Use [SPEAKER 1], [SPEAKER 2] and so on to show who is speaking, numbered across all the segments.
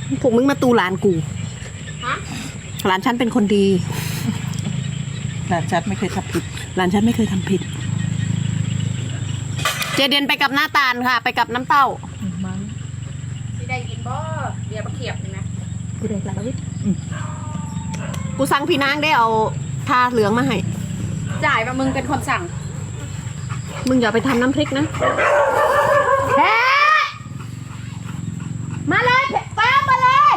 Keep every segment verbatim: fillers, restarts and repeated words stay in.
[SPEAKER 1] พวกมึงมาตูหลานกูหลานฉันเป็นคนดี
[SPEAKER 2] หลานฉันไม่เคยทำผิด
[SPEAKER 1] หลานฉันไม่เคยทำผิดเจเดนไปกับหน้าตาลค่ะไปกับน้ำเต้าสิได้กินบ่เดี๋ยวมาเขียบเลยนะกูได้ละวิกูสั่งพี่นางได้เอาทาเหลืองมาให้จ่ายว่ามึงเป็นคนสั่งมึงอย่าไปทำน้ำพริกนะเฮ้มาเลยป้ามาเลย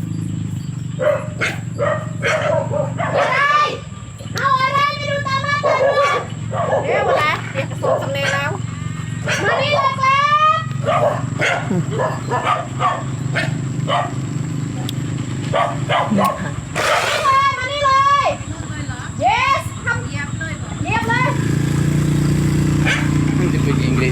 [SPEAKER 1] อะไรเอาอะไรไม่ดูตามมาตัวเดี๋ยวหมดแล้วเดี๋ยวกระโดดสำเร็จแล้วมานี่เลยครับมานี่เลย yes ทำเยียบเลยเยียบเลย
[SPEAKER 3] มันจะเป็นอังกฤษ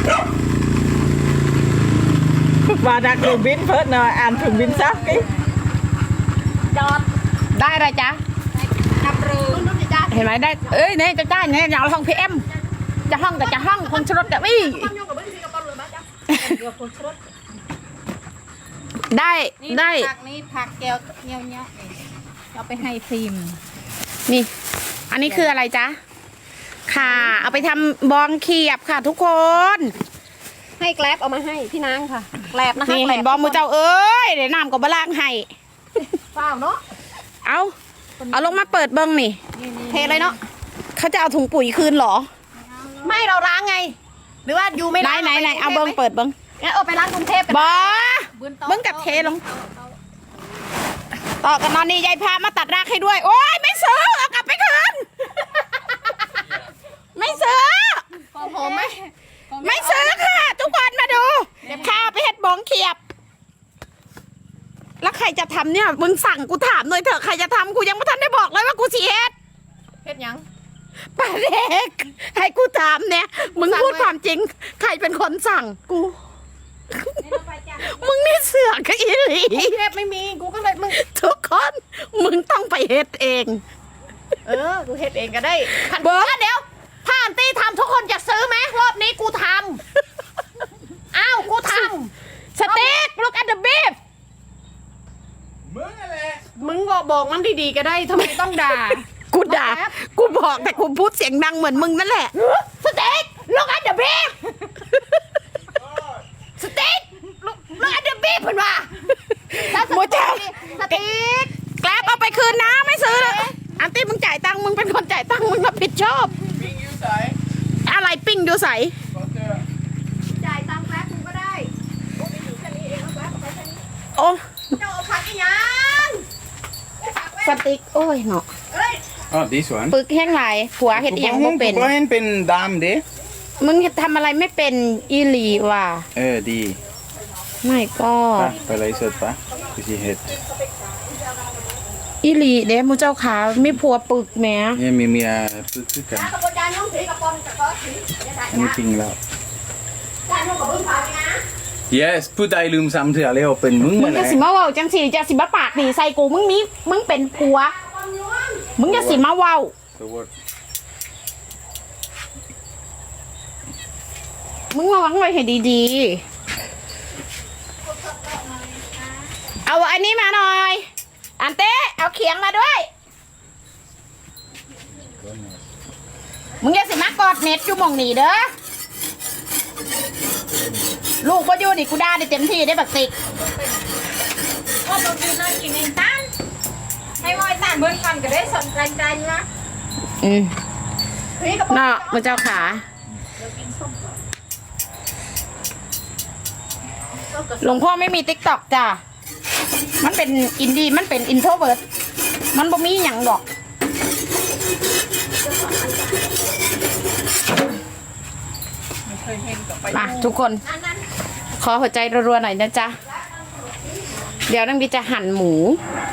[SPEAKER 2] ว่าดักถึงบินเพิ่นเนาะอ่านถึงบินซักกี้
[SPEAKER 1] จอดได้อะไรจ๊ะขับเรือเห็นไหมได้เอ้ยเนี่ยจะได้เนี่ยอย่างห้องพีเอ็มจะห้องแต่จะห้องคนชรถแต่วี่ได้ได้
[SPEAKER 4] ผักนี้ผักแก้วเงี้ยวเงี้ยเอาไปให้ฟิล์ม
[SPEAKER 1] นี่อันนี้คืออะไรจ๊ะค่ะเอาไปทำบองเขียบค่ะทุกคนให้แกลบเอามาให้พี่นางค่ะแกลบนะคะนี่เห็นบองมือเจ้าเอ้ยเดี๋ยวน้ำกับบะล่างให้เปล่าเนาะเอาเอาลงมาเปิดเบิ้งนี่เทเลยเนาะเขาจะเอาถุงปุ๋ยคืนหรอไม่เราล้างไงหรือว่าอยู่ไม่ล้างไหนไหนเอาเบิ้งเปิดเบิ้งงั้นเอาไปล้างกรุงเทพกันบอเบิ้งกับเทลงต่อกันนอนนี่ยายพามาตัดรากให้ด้วยโอ้ยไม่ซื้อเอากลับไปคืนไม่ซื้อผมไม่ไม่ซื้อค่ะทุกคนมาดูข้าไปเห็ดบองเขียบแล้วใครจะทำเนี่ยมึงสั่งกูถามหน่อยเถอะใครจะทำกูยังไม่ทันได้บอกเลยว่ากูสีเฮ็ดเฮ็ดยังป้าเด็กให้กูถามเนี่ยมึงพูดความจริงใครเป็นคนสั่งกูมึงนี่เสือกกับอีหลีเฮ็ดไม่มีกูก็เลยมึงทุกคนมึงต้องไปเฮ็ดเองเออกูเฮ็ดเองก็ได้เบิร์ดเดี๋ยวถ้าอันตี้ทำทุกคนจะซื้อไหมรอบนี้กูทำอ้าวกูทำสเต็ก look at the beef
[SPEAKER 3] มึงอะไร
[SPEAKER 1] มึงก็บอกมันดีๆก็ได้ทำไมต้องด่ากูด่ากูบอกแต่กูพูดเสียงดังเหมือนมึงนั่นแหละสเต็ก look at the beef สเต็ก look at the beef เพื่อนว่าโมเจ้าสเต็กแกลบเอาไปคืนนะไม่ซื้อเลยอันตี้มึงจ่ายตังค์มึงเป็นคนจ่ายตังค์มึงรับผิดชอบ
[SPEAKER 3] ปิ้งยูใส
[SPEAKER 1] อะไรปิ้งดูใส
[SPEAKER 4] จ่ายตังค์แป๊บนึงก็ได้โอ้ไปอยู่แค่นี้เองแล้วแป๊บไปแค่นี้
[SPEAKER 1] โอ้
[SPEAKER 4] เจ้าผักอีหยัง
[SPEAKER 1] สติ๊กโอ้ยเนาะ
[SPEAKER 3] อ๋อ this one
[SPEAKER 1] ปึกแห้งไหลผัวเห็ดเอียงบ่เป็น
[SPEAKER 3] กูเห็นเป็นดำเด้
[SPEAKER 1] มึงทำอะไรไม่เป็นอีหลีว่ะ
[SPEAKER 3] เออดี
[SPEAKER 1] ไม่ก็
[SPEAKER 3] ไปเลยสดปะกูสิเฮ็ด
[SPEAKER 1] อีหลีเด้มูเจ้าขาไม่ผัวปึกแม่
[SPEAKER 3] เนี่ยมีเมียปึ๊กๆกันอันนี้จริงแล้ว yes ผู้ใดลืมซ้ำเถื่อแล้วเป็นมึง
[SPEAKER 1] มึงจะสิมาเว้าจังสิจะสิมาปากดีใส่กูมึงมีมึงเป็นผัวมึงจะสิมาเว้ามึงระวังไว้ให้ดีๆเอาอันนี้มาหน่อยอันเต้เอาเขียงมาด้วยมึงอย่าสิมากอดเน็ตอยู่มองหนีเด้อลูกก็อยู่ดิกูด่าได้เต็มที่ได้บักติก
[SPEAKER 4] ก็ตัวกินเลยกินเองตั้งให้มอยตั้งเบิ้ลก่อนก็ได้สนใจใจนะ
[SPEAKER 1] อืมเนาะมึงเจ้าขาหลวงพ่อไม่มีติ๊กต็อกจ้ะมันเป็นอินดี้มันเป็นอินโทรเวิร์ดมันบ่มีหยังดอกมาทุกคนขอหัวใจรัวๆหน่อยนะจ๊ะเดี๋ยวนั่งบีจะหั่นหมู